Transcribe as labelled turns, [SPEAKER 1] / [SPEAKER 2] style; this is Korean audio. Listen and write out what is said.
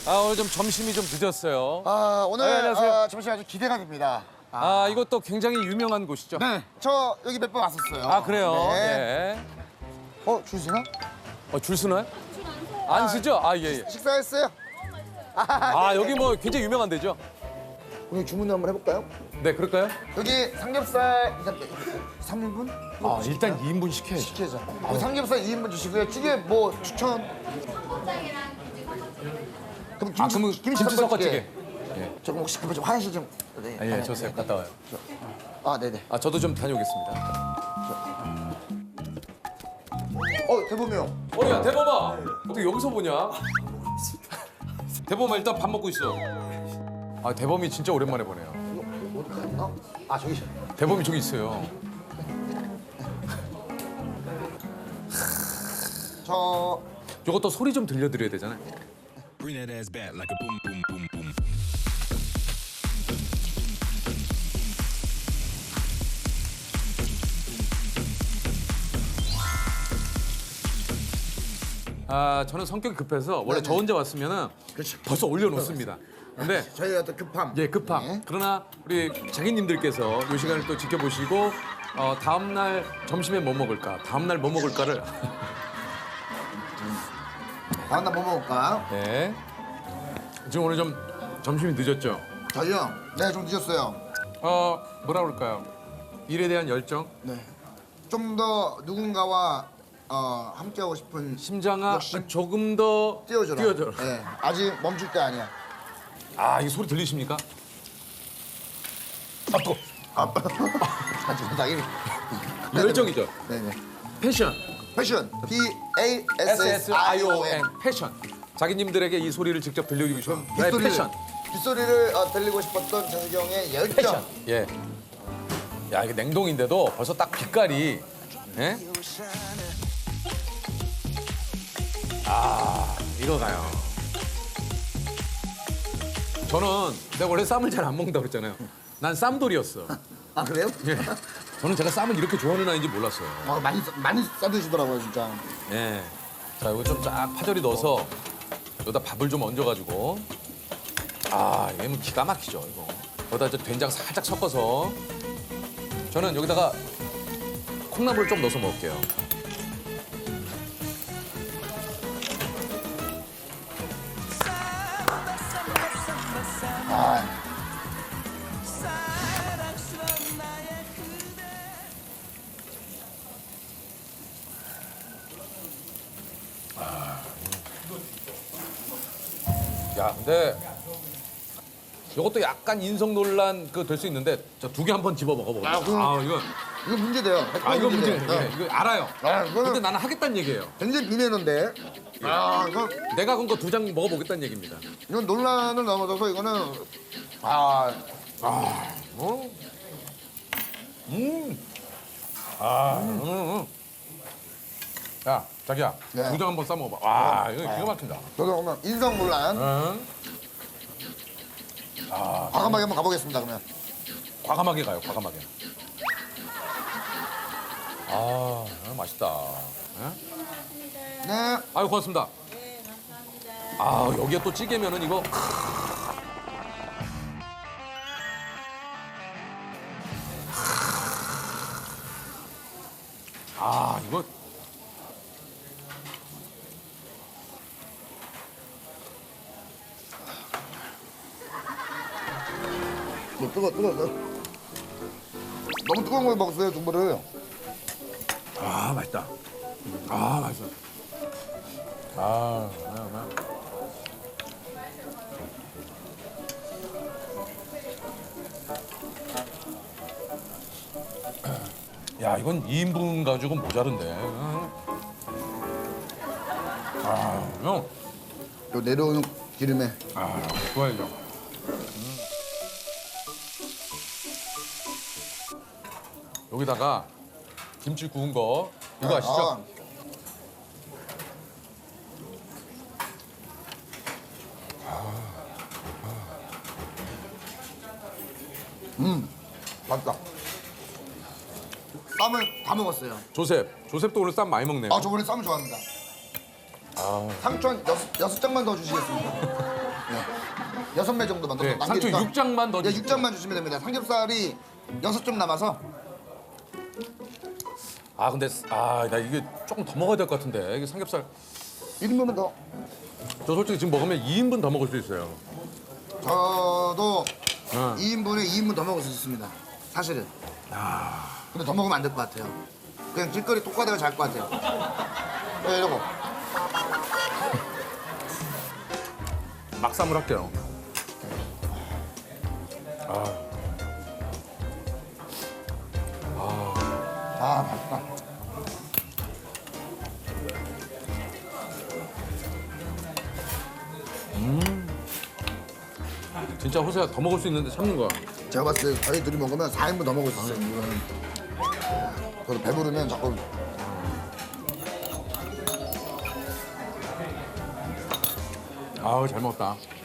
[SPEAKER 1] 오늘 좀 점심이 좀 늦었어요.
[SPEAKER 2] 오늘
[SPEAKER 1] 안녕하세요.
[SPEAKER 2] 점심 아주 기대가 됩니다.
[SPEAKER 1] 이것도 굉장히 유명한 곳이죠?
[SPEAKER 2] 네, 저 여기 몇 번 왔었어요.
[SPEAKER 1] 그래요?
[SPEAKER 2] 네.
[SPEAKER 1] 예.
[SPEAKER 2] 줄 서나?
[SPEAKER 1] 줄 서나요? 안 쓰죠? 예.
[SPEAKER 2] 식사했어요?
[SPEAKER 1] 여기 뭐 굉장히 유명한 데죠?
[SPEAKER 2] 오늘 주문 한번 해볼까요?
[SPEAKER 1] 네, 그럴까요?
[SPEAKER 2] 여기 삼겹살 3인분?
[SPEAKER 1] 일단 2인분 시켜야죠.
[SPEAKER 2] 시켜줘. 삼겹살 2인분 주시고요. 찌개 뭐 추천? 그럼
[SPEAKER 1] 그러면 김치 섞어찌개.
[SPEAKER 2] 조금 혹시 그거 좀 화장실 좀. 네.
[SPEAKER 1] 예, 좋세요. 갔다 와요.
[SPEAKER 2] 네네.
[SPEAKER 1] 저도 좀 다녀오겠습니다.
[SPEAKER 2] 대범이 형.
[SPEAKER 1] 야, 대범아! 어떻게 여기서 보냐? 대범아, 일단 밥 먹고 있어. 대범이 진짜 오랜만에 보네요.
[SPEAKER 2] 어디 갔나? 저기 있어.
[SPEAKER 1] 대범이 저기 있어요. 요것도 소리 좀 들려드려야 되잖아요.
[SPEAKER 3] Bring that ass back like a boom, boom, boom, boom.
[SPEAKER 1] 저는 성격이 급해서 원래
[SPEAKER 2] 네네.
[SPEAKER 1] 저 혼자 왔으면은
[SPEAKER 2] 그렇죠.
[SPEAKER 1] 벌써 올려놓습니다. 근데
[SPEAKER 2] 저희가 또 급함.
[SPEAKER 1] 급함.
[SPEAKER 2] 네.
[SPEAKER 1] 그러나 우리 장인님들께서 이 시간을 또 지켜보시고 다음 날 점심에 뭐 먹을까, 다음 날 뭐 먹을까를
[SPEAKER 2] 다음 날 뭐 먹을까?
[SPEAKER 1] 네. 지금 오늘 좀 점심이 늦었죠.
[SPEAKER 2] 저희요? 네, 좀 늦었어요.
[SPEAKER 1] 뭐라 그럴까요? 일에 대한 열정,
[SPEAKER 2] 네. 좀 더 누군가와 함께하고 싶은
[SPEAKER 1] 심장아
[SPEAKER 2] 역시
[SPEAKER 1] 조금 더
[SPEAKER 2] 뛰어줘라.
[SPEAKER 1] 뛰어줘라.
[SPEAKER 2] 네, 아직 멈출 때 아니야.
[SPEAKER 1] 이 소리 들리십니까? 또
[SPEAKER 2] 하지만 당연히.
[SPEAKER 1] 열정이죠.
[SPEAKER 2] 네네.
[SPEAKER 1] 패션.
[SPEAKER 2] 패션. PASSION.
[SPEAKER 1] 패션. 자기님들에게 이 소리를 직접 들려주고 싶은 나의 패션.
[SPEAKER 2] 빗소리를 들리고 싶었던 재석이 형의 열정.
[SPEAKER 1] 패션. 예. 야, 이게 냉동인데도 벌써 딱 빛깔이. 예? 이거 가요. 저는 내가 원래 쌈을 잘 안 먹는다고 그랬잖아요. 난 쌈돌이었어.
[SPEAKER 2] 그래요?
[SPEAKER 1] 예. 저는 제가 쌈을 이렇게 좋아하는 아이인지 몰랐어요.
[SPEAKER 2] 많이 싸드시더라고요, 진짜.
[SPEAKER 1] 예. 자, 이거 좀 쫙 파절이 넣어서 여기다 밥을 좀 얹어가지고. 이게 뭐 기가 막히죠, 이거. 여기다 이제 된장 살짝 섞어서 저는 여기다가 콩나물을 좀 넣어서 먹을게요. 야, 근데 이것도 약간 인성 논란 될 수 있는데 저 두 개 한번 집어 먹어보겠습니다.
[SPEAKER 2] 이거 문제돼요.
[SPEAKER 1] 이거 문제.
[SPEAKER 2] 문제돼요.
[SPEAKER 1] 예, 이거 알아요. 근데
[SPEAKER 2] 이거는
[SPEAKER 1] 나는 하겠다는 얘기예요.
[SPEAKER 2] 굉장히 비내는데. 이거
[SPEAKER 1] 내가 건 거 두 장 먹어보겠다는 얘기입니다.
[SPEAKER 2] 이건 논란을 넘어서서 이거는
[SPEAKER 1] 야, 자기야,
[SPEAKER 2] 네.
[SPEAKER 1] 두 장 한번 싸 먹어봐. 이거 기가 막힌다.
[SPEAKER 2] 저도 오늘 인성 논란
[SPEAKER 1] 응?
[SPEAKER 2] 과감하게 한번 가보겠습니다. 그러면.
[SPEAKER 1] 과감하게 가요, 과감하게. 맛있다. 예?
[SPEAKER 2] 네.
[SPEAKER 1] 아유, 고맙습니다.
[SPEAKER 4] 네, 감사합니다.
[SPEAKER 1] 여기에 또 찌개면은 이거. 이거.
[SPEAKER 2] 뜨거. 너무 뜨거운 걸 먹었어요, 두부를.
[SPEAKER 1] 맛있다. 맛있어. 야, 이건 2인분 가지고 모자른데. 형.
[SPEAKER 2] 요 내려오는 기름에.
[SPEAKER 1] 좋아야죠. 여기다가 김치 구운 거 이거 아시죠?
[SPEAKER 2] 맛있다. 쌈을 다 먹었어요.
[SPEAKER 1] 조셉도 오늘 쌈 많이 먹네요.
[SPEAKER 2] 저 원래 쌈을 좋아합니다. 상추 한 여섯 장만 더 주시겠습니까? 6매 정도 만들어서
[SPEAKER 1] 네, 상추
[SPEAKER 2] 남기니까
[SPEAKER 1] 6장만 더
[SPEAKER 2] 네,
[SPEAKER 1] 주시고.
[SPEAKER 2] 6장만 주시면 됩니다. 삼겹살이 6점 남아서
[SPEAKER 1] 아 근데 나 이게 조금 더 먹어야 될 것 같은데 이게 삼겹살
[SPEAKER 2] 1인분은 더.
[SPEAKER 1] 저 솔직히 지금 먹으면 2인분 더 먹을 수 있어요.
[SPEAKER 2] 저도
[SPEAKER 1] 어.
[SPEAKER 2] 2인분에 2인분 더 먹을 수 있습니다. 사실은. 근데 더 먹으면 안 될 것 같아요. 그냥 길거리 똑가다가 잘 것 같아요. 네, 이러고.
[SPEAKER 1] 막삼을 할게요.
[SPEAKER 2] 아, 맛있다.
[SPEAKER 1] 진짜 호세가 더 먹을 수 있는데 참는 거야.
[SPEAKER 2] 제가 봤을 때 저희 둘이 먹으면 4인분 더 먹을 수 있어요. 이거는. 저도 배부르면 자꾸
[SPEAKER 1] 아우 잘 먹었다.